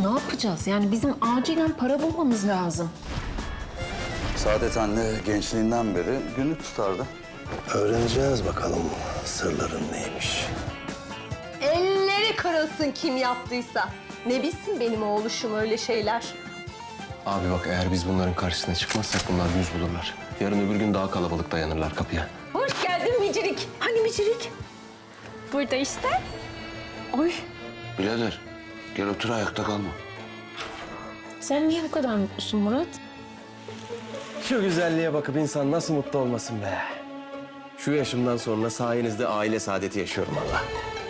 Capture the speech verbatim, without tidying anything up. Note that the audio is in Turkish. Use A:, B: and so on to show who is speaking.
A: ne yapacağız? Yani bizim acilen para bulmamız lazım.
B: Saadet anne gençliğinden beri günlük tutardı.
C: Öğreneceğiz bakalım sırların neymiş.
D: Elleri kırılsın kim yaptıysa. Ne bilsin benim oğluşum öyle şeyler.
E: Abi bak eğer biz bunların karşısına çıkmazsak bunlar yüz bulurlar. Yarın öbür gün daha kalabalık dayanırlar kapıya.
D: Hoş geldin Micirik. Hani Micirik?
F: Burada işte. Oy.
E: Birader gel otur ayakta kalma.
A: Sen niye bu kadar mutlusun Murat?
E: Şu güzelliğe bakıp insan nasıl mutlu olmasın be. Şu yaşımdan sonra sayenizde aile saadeti yaşıyorum Allah.